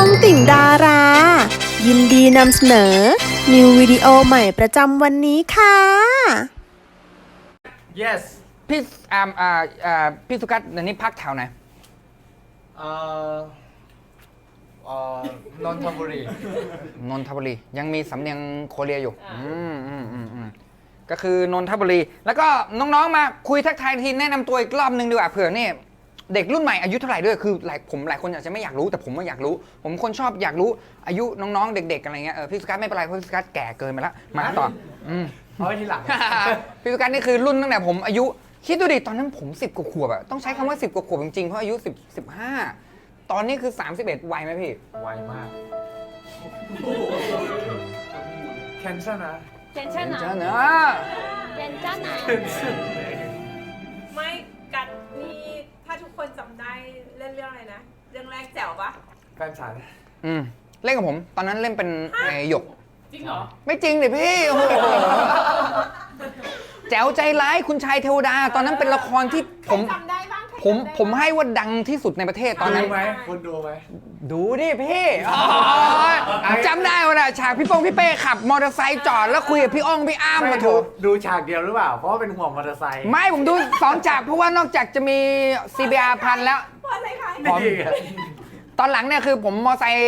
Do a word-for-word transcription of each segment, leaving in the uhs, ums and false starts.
องติ่งดารา ยินดีนำเสนอ นิววิดีโอใหม่ประจำวันนี้ค่ะ yes พี่อ่าอ่าอ่าพี่สุกัสเดี๋ยวนี้พักแถวไหนเอ่อเอ่อนนทบุรีนนทบุรียังมีสำเนียงโคเรียอยู่อืมอืมอืมอืมก็คือนนทบุรีแล้วก็น้องๆมาคุยทักทายทีแนะนำตัวอีกรอบนึงดีกว่าเผื่อนี่เด็กรุ่นใหม่อายุเท่าไหร่ด้วยคือหลายผมหลายคนอาจจะไม่อยากรู้แต่ผมก็อยากรู้ ผมคนชอบอยากรู้อายุน้องๆเด็กๆอะไรเงี้ยเออพี่สุกัสไม่เป็นไรเพราะพี่สุกัสแก่เกินไปแล้วมาต่ออืมเอาไว้ทีหลังพี่สุกัสนี่คือรุ่นตั้งแต่ผมอายุคิดดูดิตอนนั้นผมสิบกว่าขวบอะต้องใช้คำว่าสิบกว่าขวบจริงๆเพราะอายุสิบ สิบห้าตอนนี้คือสามสิบเอ็ดไวไหมพี่ไวมากแคนเซิลนะเจ้า 괜찮아. เนอะ 괜찮아. ไม่กัดนี่ถ้าทุกคนจำได้เล่นเรื่องอะไรนะ เรื่องแรกแจ๋วปะแฟนฉันอืมเล่นกับผมตอนนั้นเล่นเป็นไอ้หยกจริงเหรอไม่จริงดิพี่โอ้โหแจ๋วใจร้ายคุณชายเทวดา ตอนนั้นเป็นละครที่ผมจำได้บ้างใครผมจำได้ผมให้ว่าดังที่สุดในประเทศตอนนั้นดูไหมคุณดูไหมดูดิพี่อ๋อจำได้ว่าน่ะฉากพี่โป้งพี่เป้ขับมอเตอร์ไซค์จอดแล้วคุยกับพี่อ้องพี่อ้ามไม่มาดูถูกดูฉากเดียวหรือเปล่า เพราะว่าเป็นห่วงมอเตอร์ไซค์ไม่ผมดูสองฉากเพราะว่านอกจากจะมี ซี บี อาร์ พันแล้วเพราะอะไรคะนี่ไงตอนหลังเนี่ยคือผมมอไซค์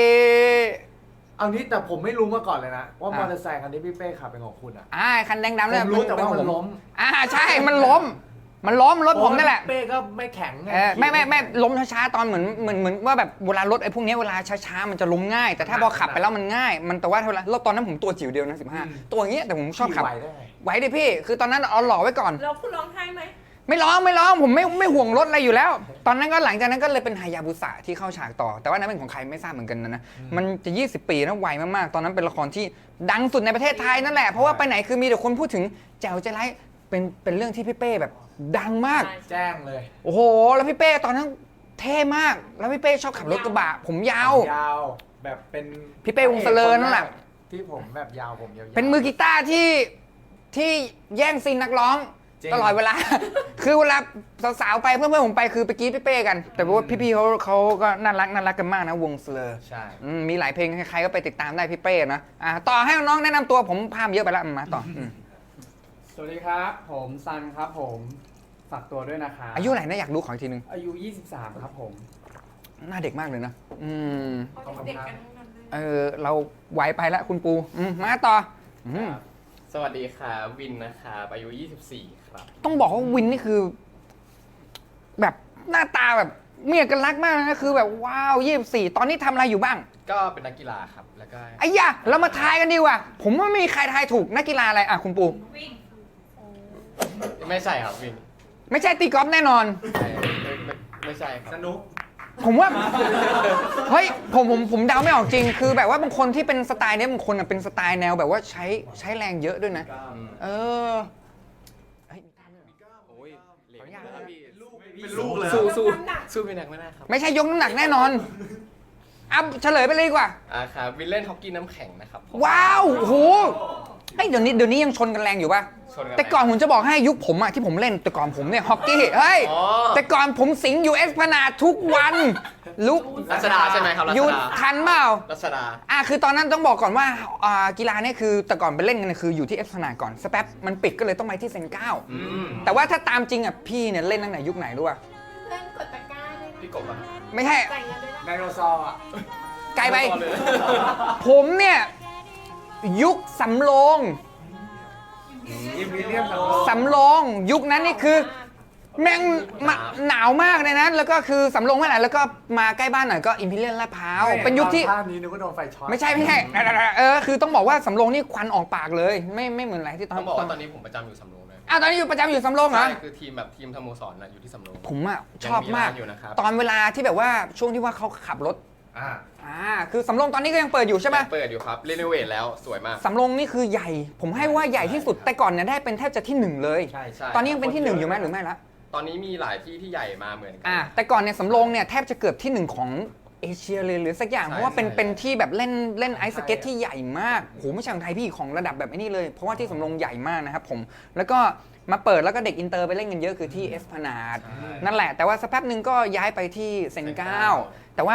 เอานี้แต่ผมไม่รู้มาก่อนเลยนะ ว่าอ่ะมอเตอร์ไซค์คันที่พี่เป้ขับเป็นของคุณอ่ะอ่าคันแดงดำเนี่ยผมรู้แต่ว่าเป็มันนล้มอ่าใช่มันล้ม มันล้มรถผมนั่นแหละเป้ก็ไม่แข็งงเออไม่ไม่ไม่ล้มช้าๆตอนเหมือนเหมือนเหมือนว่าแบบเวลารถไอ้พวกเนี้ยเวลาช้าๆมันจะล้มง่าย แต่ถ้าพอขับไปแล้วมันง่าย มันแต่ว่าเท่าไหร่รถตอนนั้นผมตัวจิ๋วเดียวนะสิบห้าตัวอย่างเงี้ยแต่ผมชอบขับขี่ไหวได้ไงไหวดิพี่ คือตอนนั้นเอาหล่อไว้ก่อนแล้วคุณร้องไห้ไหมไม่ร้องไม่ร้องผมไม่ไม่ห่วงรถอะไรอยู่แล้ว ตอนนั้นก็หลังจากนั้นก็เลยเป็นฮายาบุสะที่เข้าฉากต่อ แต่ว่านั้นเป็นของใครไม่ทราบเหมือนกันนะนะมันจะยี่สิบปีนะไวมากๆตอนนั้นเป็นละครที่ดังสุดในประเทศไทยนั่นแหละเพราะว่าไปไหนคือมีแต่คนพูดถึงแจ๋วใจร้ายเป็นเป็นเรื่องที่พี่เป้แบบดังมากแจ้งเลยโอ้โห แล้วพี่เป้ตอนนั้นเท่มาก แล้วพี่เป้ชอบขับรถกระบะ ผมยาวยาวแบบเป็นพี่เป้วงศ์เสลิญนั่นแหละที่ผมแบบยาวผมยาวๆเป็นมือกีตาร์ที่ที่แย่งซีนนักร้องจริงตลอดเวลา คือเวลาสาวๆไปเพื่อนๆผมไปคือไปกรีดพี่เป้กัน แต่ว่าพี่ๆเขาเขาก็น่ารักน่ารักกันมากนะวงเสลอใช่อืมมีหลายเพลงใครๆก็ไปติดตามได้พี่เป้นะอ่ะต่อให้น้องๆแนะนำตัวผมพามเยอะไปแล้วอืมมาต่ออืมสวัสดีครับ ผมซันครับผมฝากตัวด้วยนะครับอายุไหนนะอยากรู้ขออีกทีนึงอายุ ยี่สิบสาม ครับผมหน้าเด็กมากเลยนะอืมเขาเด็กๆกันทั้งนั้นเลยเออเราไหวไปแล้วคุณปูอืมมาต่ออืมสวัสดีครับวินนะครับอายุ ยี่สิบสี่ ครับต้องบอกว่าวินนี่คือ แบบหน้าตาแบบมีเอกลักษณ์มากนะคือแบบว้าวยี่สิบสี่ตอนนี้ทำอะไรอยู่บ้างก็เป็นนักกีฬาครับ แล้วก็ไอ้ยะเรามาทายกันดีกว่า ผมว่าไม่มีใครทายถูกนักกีฬาอะไรอ่ะคุณปูวิ่งไม่ใช่ครับวินไม่ใช่ตีกอล์ฟแน่นอนไม่ไม่ไม่ไม่ใช่ครับสนุกผมว่า เฮ้ยผมผมผมเดาไม่ออกจริง คือแบบว่าบางคนที่เป็นสไตล์เนี้ยบางคนอ่ะเป็นสไตล์แนวแบบว่าใช้ใช้แรงเยอะด้วยนะอืมเออเฮ้ยโอ้ยเหลวขออนุญาตนะครับพี่เป็นลูกเลยสู้สู้น้ำหนักสู้พี่แนักไม่ได้ครับไม่ใช่ยกน้ำหนักแน่นอนอ่ะเฉลยไปเลยดีกว่าอ่าครับวินเล่นฮอกกี้น้ำแข็งนะครับผมว้าวโอ้โหเฮ้ยเดี๋ยวนี้เดี๋ยวนี้ยังชนกันแรงอยู่ป่ะชนกันแต่ก่อนผมจะบอกให้ยุคผมอะที่ผมเล่นแต่ก่อนผมเนี่ยฮอกกี้เฮ้ยอ๋อแต่ก่อนผมสิงอยู่เอสพนาดทุกวันลุกรัชดาใช่ไหมครับรัหยุชดดาทันเปล่ารัชดาอ่ะคือตอนนั้นต้องบอกก่อนว่าอ่ากีฬาเนี่ยคือแต่ก่อนไปเล่นกันเนี่ยคืออยู่ที่เอสพนาดก่อนสแป๊บมันปิดก็เลยต้องไปที่เซนเก้าอืมแต่ว่าถ้าตามจริงอะพี่เนี่ยเล่นตั้งแต่ยุคไหนรู้ป่ะเล่นกดตะกร้าด้วยนะพี่กบอ่ะไม่ใช่จ่ายเงินด้วยนะไดโนเสาร์อ่ะไกลไปต่อเลยผมเนี่ยยุคสำโรงอิมพีเรียมสสำโรงยุคนั้นนี่คือ แม่งมาหนาวมากเลยนะ แล้วก็คือสำโรงเมื่อไหร่แล้วก็มาใกล้บ้านหน่อยก็อิมพีเรียลลาดพร้าวเป็นยุคที่ภาพนี้นึกว่าโดนไฟช็อตไม่ใช่ไม่ใช่เออคือต้องบอกว่าสำโรงนี่ควันออกปากเลย ไม่ไม่เหมือนอะไรที่ตอนต้องบอกว่าตอนนี้ผมประจำอยู่สำโรงเลยอ้าวตอนนี้อยู่ประจำอยู่สำโรงเหรอใช่คือทีมแบบทีมสโมสรน่ะอยู่ที่สำโรงผมอ่ะยังชอบมากร้นอยู่นะครับตอนเวลาที่แบบว่าช่วงที่ว่าเขาขับรถอ่าอ่าคือสำโรงตอนนี้ก็ยังเปิดอยู่ใช่ไหมยังเปิดอยู่ครับรีโนเวทแล้วสวยมากสำโรงนี่คือใหญ่ ผมให้ว่าใหญ่ที่สุดแต่ก่อนเนี่ยได้เป็นแทบจะที่หนึ่งเลยใช่ใช่ตอนนี้ยังเป็นที่หนึ่งอยู่ไหมหรือไม่ละตอนนี้มีหลายที่ที่ใหญ่มาเหมือนกัอ่าแต่ก่อนเนี่ยสำโรงเนี่ยแทบจะเกือบที่หนึ่งของเอเชียเลยหรือสักอย่างใช่เพราะว่าเป็นใช่เป็นที่แบบเล่นเล่นไอซ์สเก็ตที่ใหญ่มากโหไม่ใช่ของไทยพี่ของระดับแบบไอ้นี่เลย เพราะว่าที่สำโรงใหญ่มากนะครับผมแล้วก็มาเปิดแล้วก็เด็กอินเตอร์ไปเล่นกันเยอะคือที่เอสพนาดนั่นแหละแต่ว่าสักแป๊บหนึ่งก็ย้ายไปที่เซนเก้าแต่ว่า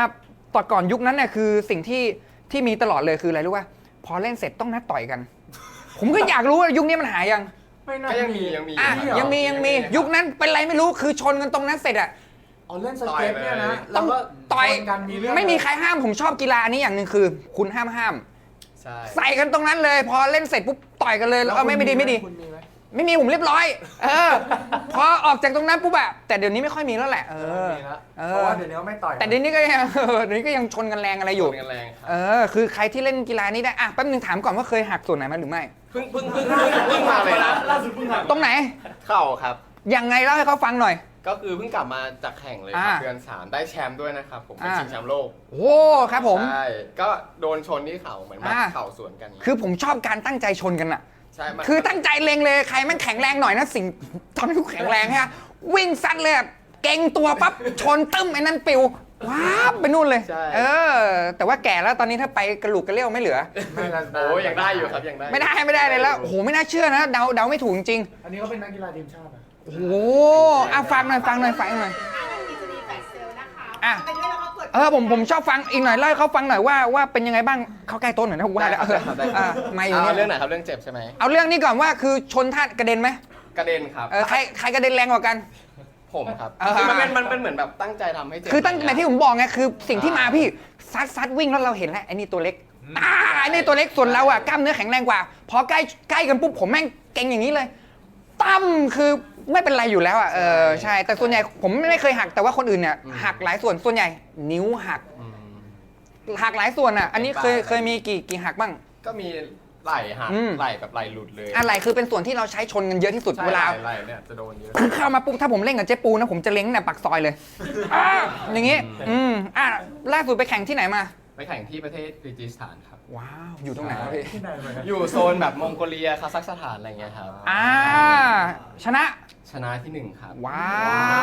ตอนก่อนยุคนั้นเนี่ยคือสิ่งที่ที่มีตลอดเลยคืออะไรรู้ป่ะพอเล่นเสร็จต้องนัดต่อยกัน ผมก็อยากรู้ว่ายุคนี้มันหายยังไม่น่าก็ยังมียังมีอ่ะครับยังมียังมียุคนั้นเป็นไรไม่รู้คือชนกันตรงนั้นเสร็จอะอ๋อเล่นสเก็ตเนี่ยนะต้องแล้วก็ต่อยชนกันมีเรื่องไม่มีใครห้ามผมชอบกีฬาอันนี้อย่างหนึ่งคือ คุณห้ามห้ามใช่ใส่กันตรงนั้นเลย พอเล่นเสร็จปุ๊บต่อยกันเลยแล้วก็ไม่ไม่ดีไม่ดีคุณมีไหมไม่มีผมเรียบร้อย เออ พอออกจากตรงนั้นปุ๊บอะแต่เดี๋ยวนี้ไม่ค่อยมีแล้วแหละ เออมีแล้วเอเพราะอว่าเดี๋ยวนี้เขาไม่ต่อยแต่เดี๋ยวนี้ก็ยัง เออเดี๋ยวนี้ก็ยังชนกันแรงอะไรอยู่ชนกันแรงครับเออ คือใครที่เล่นกีฬานี้ได้ อ่ะแป๊บนึงถามก่อนว่าเคยหักส่วนไหนมาหรือไม่เพิ่งเพิ่งเพิ่งเพิ่งเพิ่งมาเลยนะตรงไหนเข่าครับยังไงเล่าให้เขาฟังหน่อยก็คือเพิ่งกลับมาจากแข่งเลยครับอ่าเดือนสามได้แชมป์ด้วยนะครับผมเป็นอ่าชิงแชมป์โลกโอ้ครับผมใช่ก็โดนชนที่เข่าเหมือนแบบอ่าเข่าสวนกันคือผมชอบการตั้งใจชนกันอะใช่มันคือตั้งใจเล็งเลยใครแมันแข็งแรงหน่อยนะสิ่งตอนนี้กูแข็งแรงฮะวิ่งซัดเลยอะเก่งตัวปั๊บชนตึ้มไอ้นั่นปิวว้าบไปนู่นเลยใช่เออ แต่ว่าแก่แล้วตอนนี้ถ้าไปกระหลุกกระเลี้ยวไม่เหลือไม่ละโอ้ยังได้อยู่ครับยังได้ไม่ได้ไม่ได้เลยแล้วโอ้โหไม่น่าเชื่อนะเดาเดาไม่ถูกจริงอันนี้เขาเป็นนักกีฬาทีมชาติอะๆโอ้โหอ่ะฟังหน่อยฟังหน่อยฟังหน่อยมีจะมีแฟลชเซลล์นะคะอ่ะไปด้วยแล้วก็กดเออผมผมชอบฟังอีกหน่อยเล่าให้เขาฟังหน่อยว่าว่าเป็นยังไงบ้างเขาใกล้ต้นหน่อยนะผมว่าแล้วเออได้ครับอ่ะมาอยู่เอาเรื่เนี่องยไหนครับเรื่องเจ็บใช่ไหมเอาเรื่องนี้ก่อนว่าคือชนท่ากระเด็นไหมกระเด็นครับเออใครใครกระเด็นแรงกว่ากันผมครับเออคือมันเป็นมันเป็นเหมือนแบบตั้งใจทำให้เจ็บคือตั้งแต่ที่ผมบอกไงคือสิ่งที่มาพี่ซัดซัดวิ่งแล้วเราเห็นแล้วไอ้นี่ตัวเล็กอ่าไอ้นี่ตัวเล็กส่วนเราอ่ะกล้ามเนื้อแข็งแรงกว่า พอใกล้ใกล้กันปุ๊บผมแม่งเก่งอย่างนี้เลยตั้มคือไม่เป็นไรอยู่แล้วอ่ะเออใช่แต่ส่วนใหญ่ผมไม่เคยหักแต่ว่าคนอื่นเนี่ยหักหลายส่วนส่วนใหญ่ นิ้วหักอืมหักหลายส่วนอ่ะ อันนี้เคยเป็นปลายเคยมีกี่กี่หักบ้างก็มีไหล่หักอืมไหล่แบบไหล่หลุดเลยอะไรคือเป็นส่วนที่เราใช้ชนกันเยอะที่สุดใช่เวลาไหล่ไหล่เนี่ยจะโดนเยอะคือเข้ามาปุ๊บถ้าผมเล่นกับเจ๊ปูนะผมจะเล้งเนี่ยปากซอยเลยอ่าอย่างงี้ อืมอ่ะล่าสุดไปแข่งที่ไหนมาไปแข่งที่ประเทศกิร์จิสถานครับว้าว อยู่ตรงไหนวะพี่ที่ไหนมาครับอยู่โซนแบบมองโกเลียคาซัคสถานอะไรเงี้ยครับอ่า ชนะชนะที่หนึ่งครับว้าว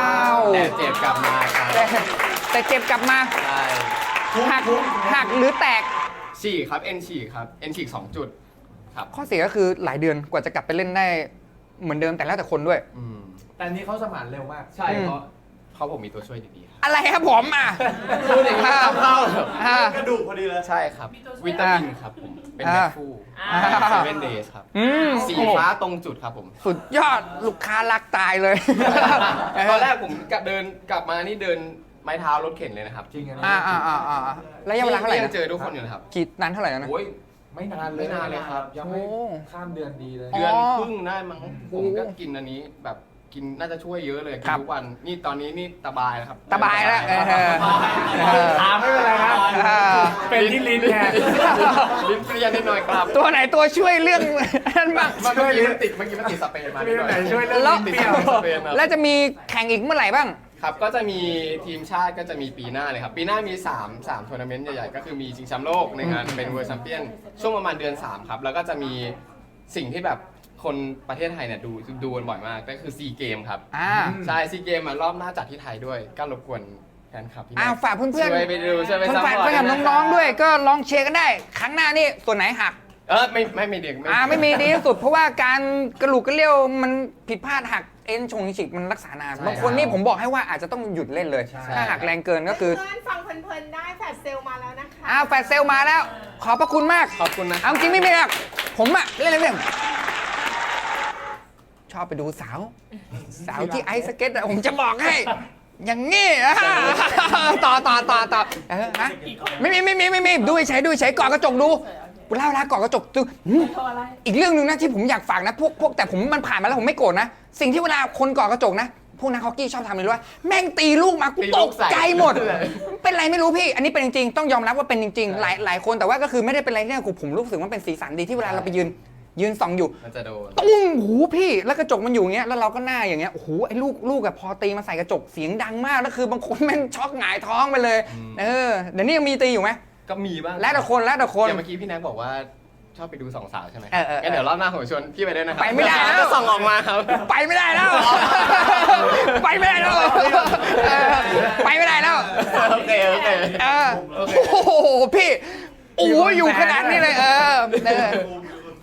แต่เจ็บกลับมาครับแต่แต่เจ็บกลับมาใช่หักหักหรือแตกฉีกครับเอ็นฉีกครับเอ็นฉีกสองจุดครับข้อเสียก็คือหลายเดือนกว่าจะกลับไปเล่นได้เหมือนเดิมแต่แล้วแต่คนด้วยอืมแต่อันนี้เขาสมานเร็วมากใช่อืมเพราะเขาผมมีตัวช่วยดีๆครับอะไรครับผมอ่ะพูดอย่างนี้เข้าเข้าเหรออ่ากระดูกพอดีเลยใช่ครับ วิตามินครับผม เป็นอ่าแมคฟูอ่าเซเว่นเดย์ครับอืมสีโอ้โหฟ้าตรงจุดครับผมสุดยอดลูกค้ารักตายเลยตอนแรกผมกะเดินกลับมานี่เดินไม้เท้ารถเข็นเลยนะครับจริงอันนี้อ่าอ่าอ่าอ่าระยะเวลาเท่าไหร่ยันะงเจอทุกคนอยู่นะครับกี่นานเท่าไหร่แล้วนะโอ้ยไม่นานเลยไม่นานเลยครับยังไม่โอ้ข้ามเดือนดีเลยอ๋อเดือนครึ่งได้มั้งโอ้ผมก็กินอันนี้แบบกินน่าจะช่วยเยอะเลยคกิรันบทุกวันนี่ตอนนี้นี่ตาบายแล้วครับตาบายแล้วเออเออถามไม่เป็นไรครับเออเป็นที่ลิ้นแทนลิ้นเปรี้ยนิดหน่อยครับตัวไหนตัวช่วยเรื่องนั้นบ้างเมื่อกี้มันติดเมื่อกี้มันติดสเปนมามีนิดหน่ไหนอยช่วยเรื่องแล้วลิ้นเปรี้ยวสเปนครับแล้วจะมีแข่งอีกเมื่อไหร่บ้างครับก็จะมีทีมชาติก็จะมีปีหน้าเลยครับ ปีหน้ามี3 3ทัวร์นาเมนต์ใหญ่ๆ ก็คือมีชิงแชมป์โลกในงานเป็นเวิร์ลด์แชมเปี้ยนช่วงประมาณเดือนสามครับ แล้วก็จะมีสิ่งที่แบบคนประเทศไทยเนี่ยดูดูกันบ่อยมากก็คือซีเกมครับอ่าใช่ซีเกมมารอบหน้าจัดที่ไทยด้วย ก็รบกวนแฟนคลับที่อ้าวฝากเพื่อนๆช่วยไปดูช่วยไปเพื่อนซัพฝากพอร์ตเพื่อนกับน้องๆด้วยก็ลองเชียร์กันได้ ครั้งหน้านี่ส่วนไหนหักเออไม่ไม่ไม่เด็กอ่าไม่มีดีที่สุด เพราะว่าการกระหลุกกระเลี้ยวมันผิดพลาดหักเอ็นชงฉิกมันรักษานานบางคนนี่ผมบอกให้ว่าอาจจะต้องหยุดเล่นเลย ถ้าหักแรงเกินก็คือเพื่อนๆฟังเพลินๆได้แฟลชเซลล์มาแล้วนะคะอ้าวแฟดเซลมาแล้ว ขอบพระคุณมากขอบคุณนะเอาจริงไม่มีหรอกผมอะเล่นอะไรเรื่องชอบไปดูสาว สาวที่ไอซ์สเก็ตอะผมจะบอกให้ อย่างงี้อะต่อต่อต่อต่อเออฮะไม่มีไม่มีไม่มีดูใช้ดูใช้ก่อนกระจกดูเล่าละก่อนกระจกดูหืมอีกเรื่องหนึ่งนะที่ผมอยากฝากนะพวกพวกแต่ผมมันผ่านมาแล้วผมไม่โกรธนะ สิ่งที่เวลาคนก่อกระจกนะ พวกนักฮอกกี้ชอบทำเลยว่าแม่งตีลูกมากูตกใจหมด เป็นไรไม่รู้พี่ อันนี้เป็นจริงๆต้องยอมรับว่าเป็นจริงๆหลายหลายคนแต่ว่าก็คือไม่ได้เป็นไรเนี่ยกูผมรู้สึกว่าเป็นสีสันดีที่เวลาเราไปยืน ยืนส่องอยู่มันจะโดนตุ้งหูพี่แล้วกระจกมันอยู่อย่างเงี้ยแล้วเราก็หน้าอย่างเงี้ยโอ้โหไอ้ลูกลูกอะพอตีมาใส่กระจกเสียงดังมากแล้วคือบางคนแม่งช็อกหงายท้องไปเลยอืมเออเดี๋ยวนี้ยังมีตีอยู่ไหมก็มีบ้างแล้วแต่คนแล้วแต่คนอย่างเมื่อกี้พี่แน็กบอกว่าชอบไปดูสองสาวใช่ไหมเออเออเอองั้นเดี๋ยวรอบหน้าผมชวนพี่ไปด้วยนะครับไปไม่ได้แล้วจะส่องออกมาครับไปไม่ได้แล้ว ไปไม่ได้แล้วเออไปไม่ได้แล้วโอเคโอเคเออโอ้โหพี่โอ้โหอยู่ขนาดนี้เลยเออเออ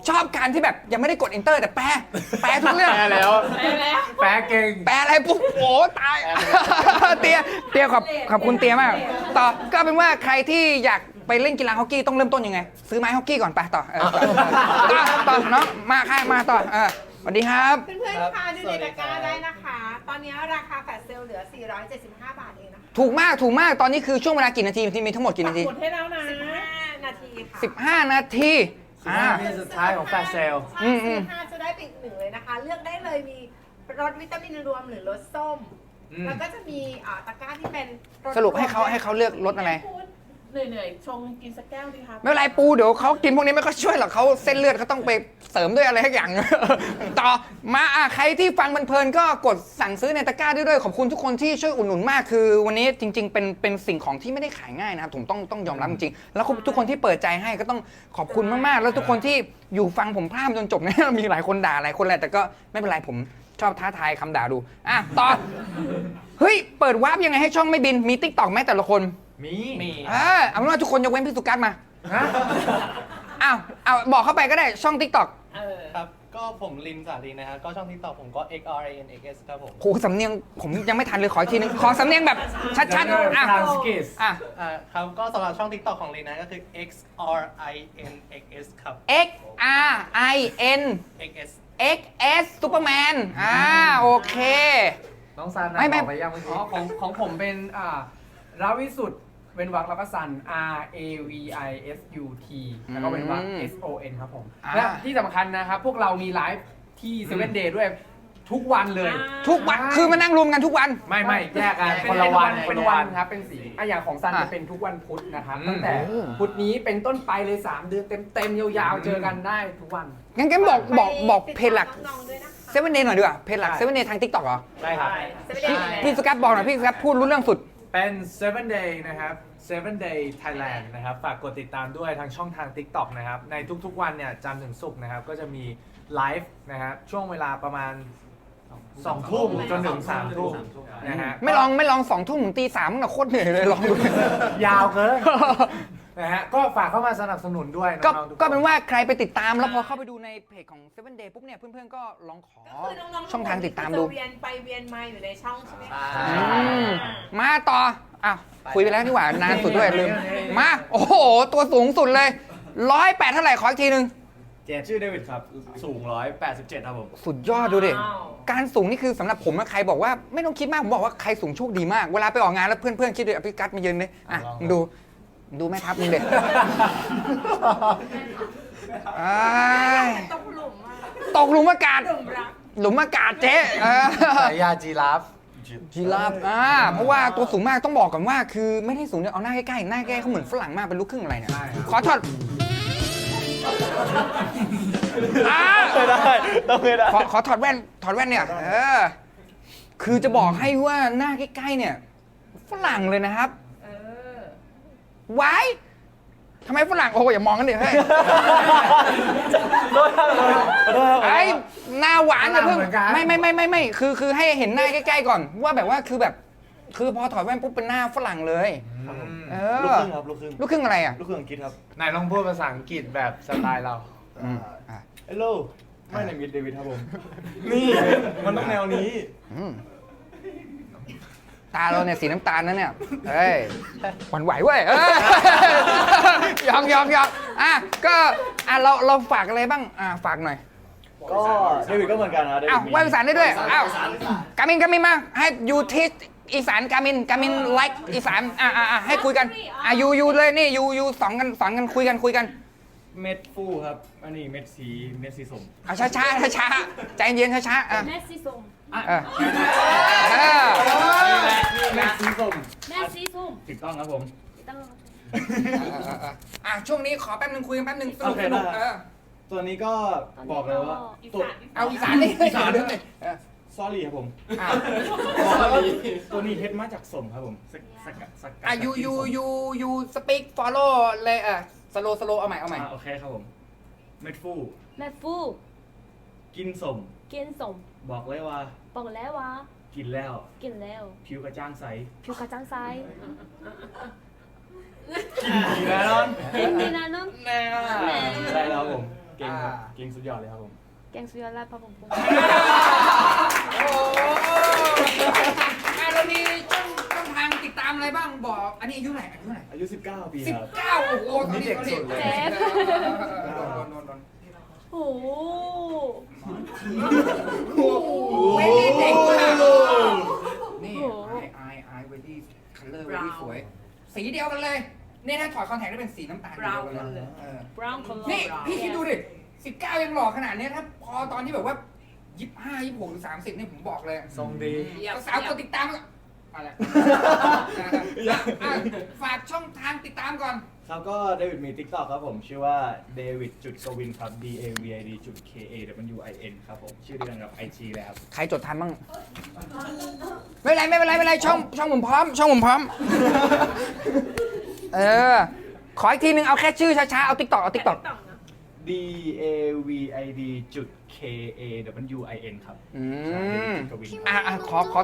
ชอบการที่แบบยังไม่ได้กด enter แต่แปลแปลทุกเรื่องแปลแล้วไปแล้วแปลเก่งแปลอะไรปุ๊บโอ้ตาย เตียเตียขอบขอบคุณเตียมาก ต่อก็เป็นว่าใครที่อยากไปเล่นกีฬาฮอกกี้ต้องเริ่มต้นยังไง ซื้อไม้ฮอกกี้ก่อนไปต่อเออต่อต่อเนาะมาใครมาต่อเออสวัสดีครับเพื่อนๆคะดูในตะกร้าได้นะคะ ตอนนี้ราคาแฟลชเซลล์เหลือ สี่ร้อยเจ็ดสิบห้า บาทเองนะคะถูกมากถูกมากตอนนี้คือช่วงเวลากี่นาทีที่มีทั้งหมดกี่นาทีหมดให้แล้วนะสิบห้านาทีค่ะสิบห้านาทีอ่านาทีสุดท้ายของแฟลชเซลล์ใช่ซื้อห้าจะได้ไปอีกหนึ่งเลยนะคะ เลือกได้เลยมีรสวิตามินรวมหรือรสส้มอืมแล้วก็จะมีอ่าตะกร้าที่เป็นสสรุปให้เขาให้เขาเลือกรสอะไรเหนื่อยๆ ชงกินสักแก้วดีครับไม่เป็นไรปูเดี๋ยวเขากินพวกนี้ไม่ค่อยช่วยหรอกเขาเส้นเลือดเขาต้องไปเสริมด้วยอะไรทักอย่าง ต่อมาอ่ะใครที่ฟังเพลินๆก็กดสั่งซื้อในตะกร้าด้วยด้วยขอบคุณทุกคนที่ช่วยอุดหนุนมากคือ วันนี้จริง ๆ เป็นเป็นสิ่งของที่ไม่ได้ขายง่ายนะครับผมต้องต้องยอมรับจริงๆแล้วทุกคนที่เปิดใจให้ก็ต้องขอบคุณมากๆ แล้วทุกคนที่อยู่ฟังผมพร่ำจนจบเนี่ย มีหลายคนด่าหลายคนแหละแต่ก็ไม่เป็นไรผมชอบท้าทายคำด่าดูอ่ะต่อเฮ้ยเปิดวาร์ปยังไงให้ช่องไม่บินมีติ๊กต็อกไหมแต่ละคนมี มีเออเอาเป็นว่าทุกคนยกเว้นพี่สุกัสมาฮะอ้าวเอาบอกเข้าไปก็ได้ช่อง TikTok เออครับ ก็ผมลินสาลีนะครับ ก็ช่องทิกตอกผมก็ x r a n x s ครับผมโหสำเนียงผมยังไม่ทันเลยขออีกทีนึง ขอสำเนียงแบบชัดๆอ่ะทรานสกิสอ่ะอ่าครับ ก็สำหรับช่องทิกตอกของลินนะก็คือ x r i n x s ครับ X R I N x s X S ซูเปอร์แมนอ่าโอเคน้องซันนะไม่ไม่บอกไปยังเมื่อกี้อ๋อของของผมเป็นอ่าราวิสุทธ์เว้นวรรคแล้วก็ซัน R A V I S U T แล้วก็เว้นวรรค S O N ครับผมอ่าและที่สำคัญนะครับ พวกเรามีไลฟ์ที่เซเว่นเดย์ด้วยทุกวันเลยอ่าทุกวันคือมานั่งรวมกันทุกวันไม่ไม่แยกกันเป็คนนละวันเป็เป็นนวัวันนครับเป็นสีอ่ะอย่างของซันอ่ะจะเป็นทุกวันพุธนะครับอืมตั้งแต่โอ้พุธนี้เป็นต้นไปเลยสามเดือนเต็มๆยาวๆเจอกันได้ทุกวันงั้นกันบอกบอกบอกเพจหลักน้องๆด้วยนะคะเซเว่นเดย์หน่อยดีกว่าเพจหลักได้เซเว่นเดย์ทาง TikTok เหรอได้ครับพี่พี่สกัดบอกหน่อยพี่สกัดพูดรู้เรื่องสุดเป็น เซเว่น day นะครับ เซเว่น day Thailand นะครับ ฝากกดติดตามด้วยทางช่องทาง TikTok นะครับ ในทุกๆวันเนี่ยจันทร์ถึงศุกร์นะครับ ก็จะมีไลฟ์นะครับช่วงเวลาประมาณสองทุ่มจนถึงสามทุ่มนะฮะไม่ลองไม่ลองสองทุ่มถึงตีสามนะโคตรเหนื่อยเลยลองดูยาวเกิน นะฮะ ก็ฝากเข้ามาสนับสนุนด้วยก็น้องๆทุกคก็เป็นว่าใครไปติดตามแล้วพอเข้าไปดูในเพจของ เซเว่น Day ปุ๊บเนี่ยเพื่อนๆก็ลองขอก็คือน้องๆช่องทางติดตามดูจะเวียนไปเวียนมาอยู่ในช่องใช่ไหมคะใช่อืมมาต่ออ้าวคุยไปแล้วนี่หว่านานสุดด้วยลืมมาโอ้โห ตัวสูงสุดเลยร้อยแปดเท่าไหร่ขออีกทีนึงเจชื่อเดวิดครับ สูงหนึ่งร้อยแปดสิบเจ็ดครับผมสุดยอดดูดิว้าวการสูงนี่คือสำหรับผมนะใครบอกว่าไม่ต้องคิดมาก ผมบอกว่าใครสูงโชคดีมาก เวลาไปออกงานแล้วเพื่อนๆคิดดูอภิกัดมายืนเลยอ่ะมึงดูมึงดูแม่ทัพมึงเด็ดอ้ายตกหลุมอ่ะตกหลุมอากาศหลุมรักหลุมอากาศเจ๊เออฉายาจีราฟจีราฟอ่าเพราะว่าตัวสูงมากต้องบอกก่อนว่า คือไม่ได้สูงเนี่ยเอาหน้าใกล้ๆหน้าใกล้เขาเหมือนฝรั่งมากเป็นลูกครึ่งอะไรเนี่ยขอถอดอ่าไม่ได้ ต้องไม่ได้ขอขอถอดแว่นถอดแว่นเนี่ยเออคือจะบอกให้ว่าหน้าใกล้ๆเนี่ยฝรั่งเลยนะครับเออไว้ทำไมฝรั่งโอ้ยอย่ามองกันดิเฮ้ยไอ้หน้าหวานอย่าเพิ่งฝรั่งเหมือนกันไม่ไม่ไม่ไม่ไม่คือคือให้เห็นหน้าใกล้ๆก่อน ว่าแบบว่าคือแบบ คือพอถอดแว่นปุ๊บเป็นหน้าฝรั่งเลยเอลูกอครึ่งครับ ลูกครึ่งลูกครึ่งอะไรอ่ะลูกครึ่งอังกฤษครับไหนลองพูดภาษาอังกฤษแบบสไตล์เราอืมอ่ะ Hello ไม่ในมิดเดวิดครับผม นี่ มันต้องแนวนี้อืมตาเราเนี่ยสีน้ำตาลนะเนี่ยเฮ้ยหวั่นไหวเว้ยเอ้ยยอมยอมยอมอ่ะก็อ่ะเราเราฝากอะไรบ้างอ่ะฝากหน่อยก็เดวิดก็เหมือนกันนะเดวิดอ้าวมีว่าภาษาได้ด้วยอ้าวกามินกามินมาให้ยูทิสอีสานกามินกามินไลค์อีสานอ่ะอ่ะอ่ะให้คุยกันอ่ะยูยูเลยนี่ยูยูสองกันสอนกันคุยกันคุยกันเม็ดฟูครับ อันนี้เม็ดสี เม็ดสีส้มอ่ะช้าช้าช้าช้าๆใจเย็นช้าช้าๆอ่ะแม่สีส้มเออเออเม็ดสีส้มแม่สีส้มถูกต้องครับผมต้องอ่ะช่วงนี้ขอแป๊บนึงคุยกันแป๊บนึงสนุกโอเคสนุกได้เออตัวนี้ก็บอกเลยว่าอีตัวสานเอาอีสานนี่อีสานด้วยเออซอรี่ครับผมอ่ะตัวนี้เฮ็ดมาจากส้มครับผมสกสกัดสกัดอ่ะยูยูยูยูสปีกฟอลโล่เลยอ่ะสโลสโลเอาใหม่เอาใหม่อ่ะโอเคครับผม เม็ดฟูแม่ฟูกินส้มกินส้มบอกเลยว่าบอกแล้วว่ากินแล้วกินแล้วผิวกระจ่างใสผิวกระจ่างใสกินดีแน่นอนเก่งดีนะน้องแน่แหมใช่แล้วครับผม เก่งครับ เก่งงสุดยอดเลยครับผมแกงสุดยอดราดพระผงปรุงโอ้อ่ะเรามีช่องช่องทางติดตามอะไรบ้างบอก อันนี้อายุเท่าไหร่อายุเท่าไหร่อายุสิบเก้าปีสิบครับเก้าโอ้โหตอนนี้เด็กสุดเลยเจ๊โอ้โหโอ้โหไม่ได้เด็กมากนี่ไอไอเวดี้คัลเลอร์เวดี้สวย สีเดียวกันเลย นี่ถ้าถอดคอนแทคได้เป็นสีน้ำตาลเดียวกันเลยเออ brown color นี่พี่คิดดูดิสิบเก้ายังหล่อขนาดนี้ถ้าพอตอนที่แบบว่ายี่สิบห้ายี่สิบหกหรือสามสิบนี่ผมบอกเลยทรงดีสาวๆกดติดตามก่อนอะไรอ่ะอ่ะฝากช่องทางติดตามก่อนครับก็เดวิดมี TikTok ครับผมชื่อว่า David จุดกวินครับ D A V I D จุด K A W I N ครับผมชื่อเดียวกันกับ ไอ จี เลยครับใครจดทันบ้าง ไม่เป็นไรไม่เป็นไรไม่เป็นไรช่องช่องผมพร้อม ช่องผมพร้อม เออ ขออีกทีนึงเอาแค่ชื่อช้าๆ เอาติ๊กตอกเอาติ๊กตอก D A V I D จุด K A W I N ครับอืมจุดกวินอ่ะอ่ะขอขอ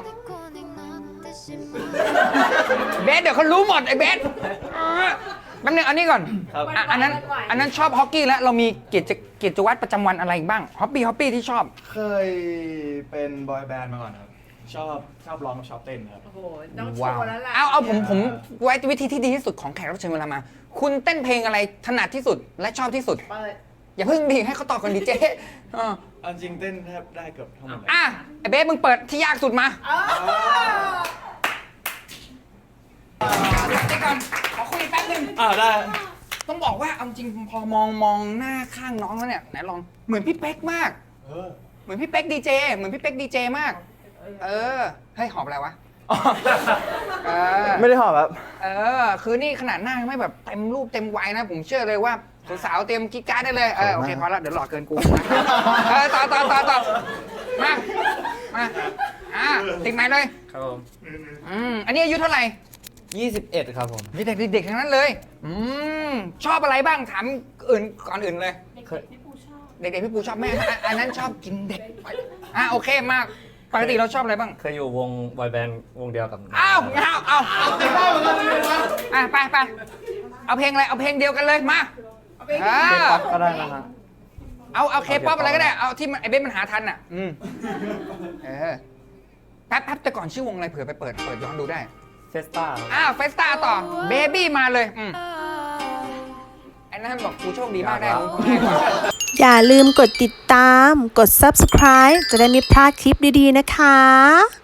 เบสเดี๋ยวเขารู้หมดไอ้เบสอ่ะแป๊บนึงเอานี่ก่อนครับอ่ะอันนั้นอันนั้นชอบฮอกกี้แล้วเรามีกิจกิจวัตรประจำวันอะไรอีกบ้างฮอปปี้ฮอปปี้ที่ชอบเคยเป็นบอยแบนด์มาก่อนครับ ชอบชอบร้องชอบเต้นครับโอ้โห ต้องโชว้าวว์แล้วล่ะเอาเอาผมผมไว้วิธีที่ดีที่สุดของแขกรับเชิญเวลามา คุณเต้นเพลงอะไรถนัดที่สุดและชอบที่สุดเปิดอย่าเพิ่งดีให้เขาตอบก่อนดีเจอ่ะเอาจริงเต้นแทบได้เกือบทั้งหมดเลยอ่ะไอ้เบสมึงเปิดที่ยากสุดมาเออเดี๋ยวก่อนขอคุยแป๊บนึงอ่าได้ต้องบอกว่าเอาจริงพอมองมองหน้าข้างน้องแล้วเนี่ยไหนลองเหมือนพี่เป๊กมากเออเหมือนพี่เป๊กดีเจเหมือนพี่เป๊กดีเจมาก เออเฮ้ยหอบอะไรวะเออไม่ได้หอบครับเออคือนี่ขนาดหน้ายังไม่แบบเต็มรูปเต็มวัยนะ ผมเชื่อเลยว่าสาวๆเตรียมกิ๊กการ์ดได้เลยเออโอเคพอแล้วเดี๋ยวหลอกเกินกูเออต่อต่อต่อต่อมามาอ่ะติดไม้เลยครับผมอืมอันนี้อายุเท่าไหร่ยี่สิบเอ็ดครับผมมีเด็กเด็กๆทั้งนั้นเลยอืมชอบอะไรบ้างถามอื่นก่อนอื่นเลยเด็กๆพี่ปูชอบเด็กๆพี่ปูชอบแม่อ่ะอันนั้นชอบกินเด็กอ่ะโอเคมากปกติเราชอบอะไรบ้างเคยอยู่วงบอยแบนด์วงเดียวกับอ้าวเอาเอาเอาอ่ะไปไปเอาเพลงอะไรเอาเพลงเดียวกันเลยมาเออก็ได้นะฮะเอาเอาเคป๊อปอะไรก็ได้ เอาที่มันไอเบสมันหาทันอ่ะ อืมเออแป๊บแป๊บแต่ก่อนชื่อวงอะไรเผื่อไปเปิดเปิดย้อนดูได้เฟสต้าอ้าวเฟสตาต่อเบบี้มาเลย อืมไอ้นั่นบอกกูโชคดีมากได้มึงง่ายกว่าอย่าลืมกดติดตาม กด ซับสไครบ์ จะได้ไม่พลาดคลิปดีๆนะคะ